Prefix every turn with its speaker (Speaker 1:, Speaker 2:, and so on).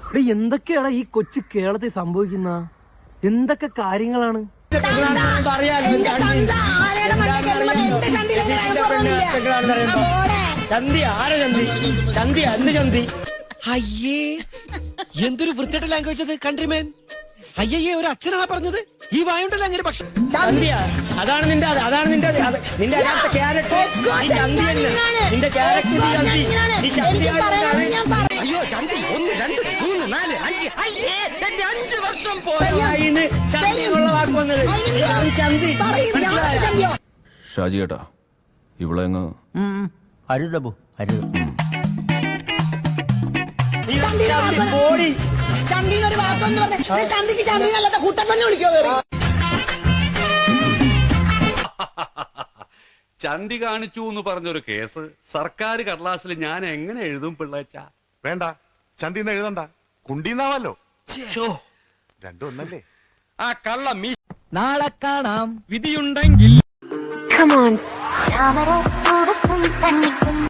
Speaker 1: ഇവിടെ എന്തൊക്കെയാണ് ഈ കൊച്ചു കേരളത്തിൽ സംഭവിക്കുന്ന എന്തൊക്കെ കാര്യങ്ങളാണ്?
Speaker 2: അയ്യേ എന്തൊരു വൃത്തിയുടെ ലാംഗ്വേജ് അത് കൺട്രിമേൻ. അയ്യേ ഒരു അച്ഛനാണ് പറഞ്ഞത്. ഈ വായുണ്ടല്ലോ അങ്ങനെ. പക്ഷെ
Speaker 3: അതാണ് നിന്റെ യഥാർത്ഥ ക്യാരക്ടർ. നിന്റെ ക്യാരക്ടർ
Speaker 1: അയ്യോ ചന്തി 1 2 3 4 5 അയ്യേ എന്റെ 5 വർഷം
Speaker 3: പോയിന്ന് ചന്തിയുള്ള വാക്ക് വന്നത്. ചന്തി
Speaker 4: ഷാജി ഏട്ടാ ഇവിടെ
Speaker 5: അരുതബു അരുത്.
Speaker 6: ചന്തിനൊരു വാക്കൊന്ന് പറഞ്ഞ ചന്തിക്ക് ചന്തി നല്ലത് കുട്ടപ്പന്നെ വിളിക്കോ?
Speaker 7: ചന്തി കാണിച്ചു എന്ന് പറഞ്ഞൊരു കേസ് സർക്കാർ കടലാസിൽ ഞാൻ എങ്ങനെ എഴുതും പിള്ളേച്ച?
Speaker 8: വേണ്ട, ചന്തിന്ന് എഴുതണ്ട, കുണ്ടീന്നാവല്ലോ. രണ്ടും ഒന്നല്ലേ?
Speaker 3: ആ കള്ള മീ.
Speaker 1: നാളെ കാണാം വിധിയുണ്ടെങ്കിൽ.
Speaker 9: Come on.